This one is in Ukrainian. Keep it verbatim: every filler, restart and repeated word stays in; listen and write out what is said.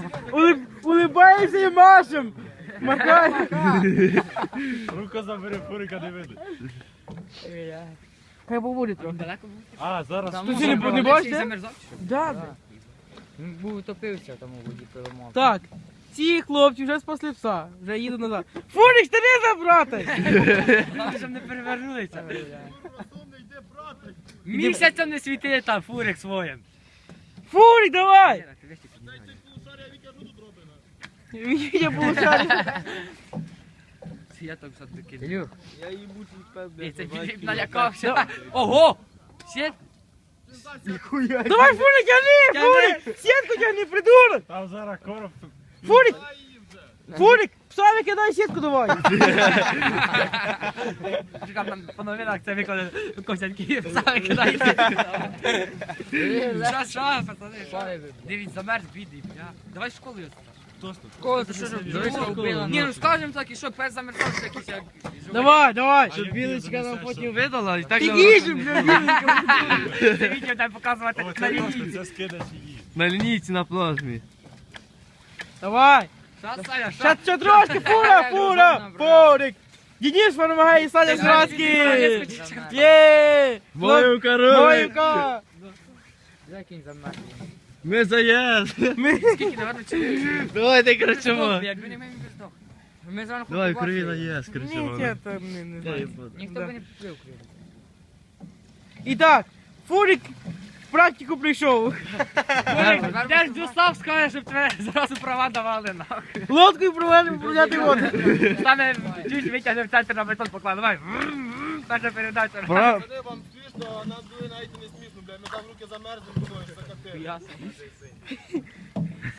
Улиб... Улибаємося і машем. Махай. Руку забери, фурика не видно. Хай побуде трохи. Далеко був? А, зараз. Ти ще не, не бачите? Замерзав? чи що? Да, да. Він був утопився там у воді перемог. Так, ці хлопці вже спасли пса, вже їду назад. Фурик, старі забрати! Там щоб не перевернулися. Місяцем не світи там фурик своїм. Фурик, давай! Я получаю. Я так все-таки. Ілюх, Я їбучий ей, це певний. Філіп налякався. Ого! Сєт? Давай, Фурик, тяни, Фурик! Сітку тяни, придурок! Там зараз короб. Фурик! Фурик, пса викидай сітку давай! Чекав там по новинах це викладе косянки, саме кидається. Що, що, пацани? Дивіться, замерз бідний, бля. Давай в школу його. Школу, ти що робиш? Ні, ну скажемо так, і що, пес замерзався якийсь як... Давай, давай! Щоб білочка нам потім видала і так Ти їжджу, бля, Це відео дай показувати О, на це просто, лінії. це скидач її. на лінійці на плазмі. давай! Що, Саня, що? Ще, ще трошки, фура, фура! Фурик! Денис помагає і Саня Зрадський! Є! Мою король! Моївка! Закинь замерз. Ми заїзд! Скільки, наверно, чи... Давайте кричимо! Якби не ми, він би здох. Ми зранку Давай, побачили. крові наїзд, Ні, кричимо. я там не, не знаю. Ніхто Да. би не поплив криві. І так, Фурик в практику прийшов. Де ж Дюслав скаже, щоб тебе зразу права давали, нахуй. Лодкою провели управляти воду. Саме чуть витягне в центр на бетон поклав. Давай. Перша передача. Пора- Вони вам смішно, а нам двоє навіть і не смішно, бля. Ми там руки замерзли, думаю, що закатили. Ясно.